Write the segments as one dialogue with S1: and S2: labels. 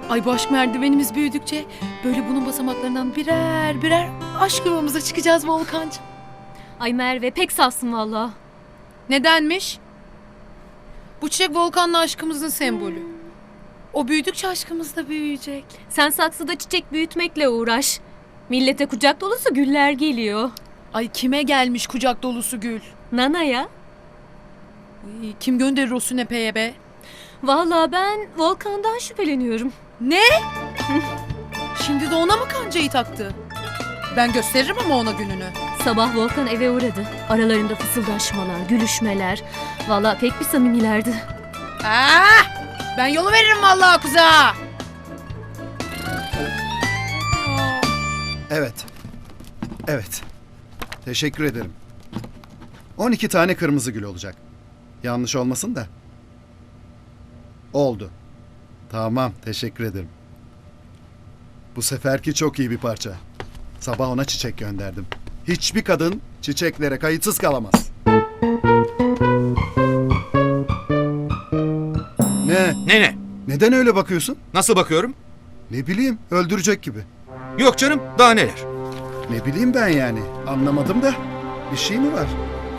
S1: Ay bu aşk merdivenimiz büyüdükçe böyle bunun basamaklarından birer birer aşk yuvamıza çıkacağız Volkancığım.
S2: Ay Merve pek safsın valla.
S1: Nedenmiş? Bu çiçek Volkan'la aşkımızın sembolü. O büyüdükçe aşkımız da büyüyecek.
S2: Sen saksıda çiçek büyütmekle uğraş. Millete kucak dolusu güller geliyor.
S1: Ay kime gelmiş kucak dolusu gül?
S2: Nana'ya.
S1: Ay, kim gönderir o sünepeye be?
S2: Valla ben Volkan'dan şüpheleniyorum.
S1: Ne? Şimdi de ona mı kancayı taktı? Ben gösteririm ama ona gününü.
S2: Sabah Volkan eve uğradı. Aralarında fısıldaşmalar, gülüşmeler. Valla pek bir samimilerdi.
S1: Ben yolu veririm vallahi kuza.
S3: Evet. Evet. Teşekkür ederim. 12 tane kırmızı gül olacak. Yanlış olmasın da. Oldu. Tamam, teşekkür ederim. Bu seferki çok iyi bir parça. Sabah ona çiçek gönderdim. Hiçbir kadın çiçeklere kayıtsız kalamaz.
S4: Ne?
S3: Neden öyle bakıyorsun?
S4: Nasıl bakıyorum?
S3: Ne bileyim, öldürecek gibi.
S4: Yok canım, daha neler?
S3: Ne bileyim ben yani. Anlamadım da. Bir şey mi var?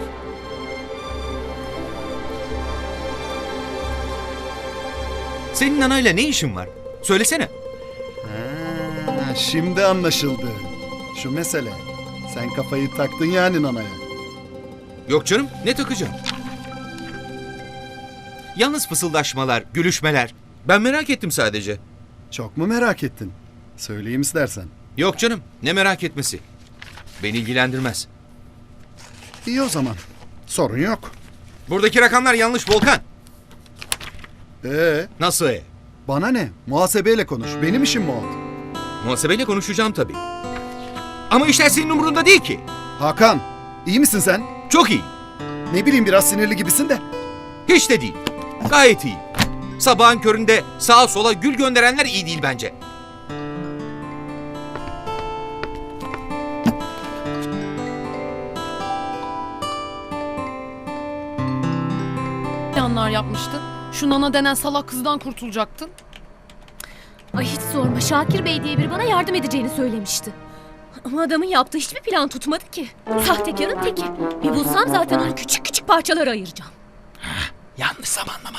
S4: Senin anayla ne işin var? Söylesene.
S3: Ha, şimdi anlaşıldı. Şu mesele. Sen kafayı taktın yani nanaya.
S4: Yok canım, ne takacağım? Yalnız fısıldaşmalar, gülüşmeler. Ben merak ettim sadece.
S3: Çok mu merak ettin? Söyleyeyim istersen.
S4: Yok canım, ne merak etmesi. Beni ilgilendirmez.
S3: İyi o zaman. Sorun yok.
S4: Buradaki rakamlar yanlış Volkan. Nasıl?
S3: Bana ne? Muhasebeyle konuş. Benim işim mi o?
S4: Muhasebeyle konuşacağım tabii. Ama işler senin umurunda değil ki.
S3: Hakan, iyi misin sen?
S4: Çok iyi.
S3: Ne bileyim biraz sinirli gibisin de.
S4: Hiç de değil. Gayet iyi. Sabahın köründe sağa sola gül gönderenler iyi değil bence.
S1: Planlar yapmıştın. Şu Nana denen salak kızdan kurtulacaktın.
S2: Ay hiç sorma. Şakir Bey diye biri bana yardım edeceğini söylemişti. Ama adamın yaptığı hiçbir plan tutmadı ki. Sahtekarın teki. Bir bulsam zaten onu küçük küçük parçalara ayıracağım.
S4: Yanlış zamanlama.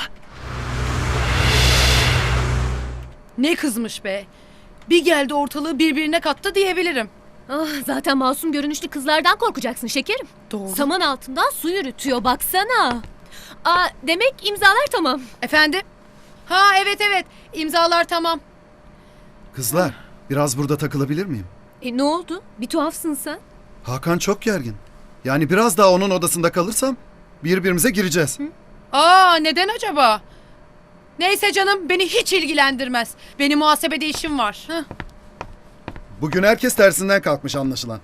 S1: Ne kızmış be. Bir geldi ortalığı birbirine kattı diyebilirim.
S2: Ah, zaten masum görünüşlü kızlardan korkacaksın şekerim.
S1: Doğru.
S2: Saman altından su yürütüyor baksana. Demek imzalar tamam.
S1: Efendim? Ha evet. İmzalar tamam.
S3: Kızlar, biraz burada takılabilir miyim?
S2: Ne oldu? Bir tuhafsın sen.
S3: Hakan çok gergin. Yani biraz daha onun odasında kalırsam birbirimize gireceğiz.
S1: Neden acaba? Neyse canım beni hiç ilgilendirmez. Benim muhasebede işim var.
S3: Bugün herkes tersinden kalkmış anlaşılan.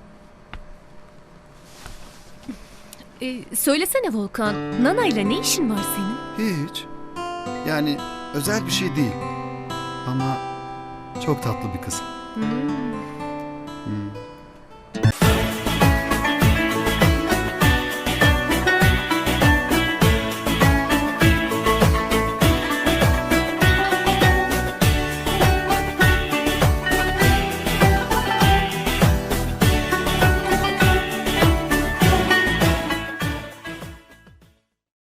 S2: Söylesene Volkan. Nana ile ne işin var senin?
S3: Hiç. Yani özel bir şey değil. Ama çok tatlı bir kız.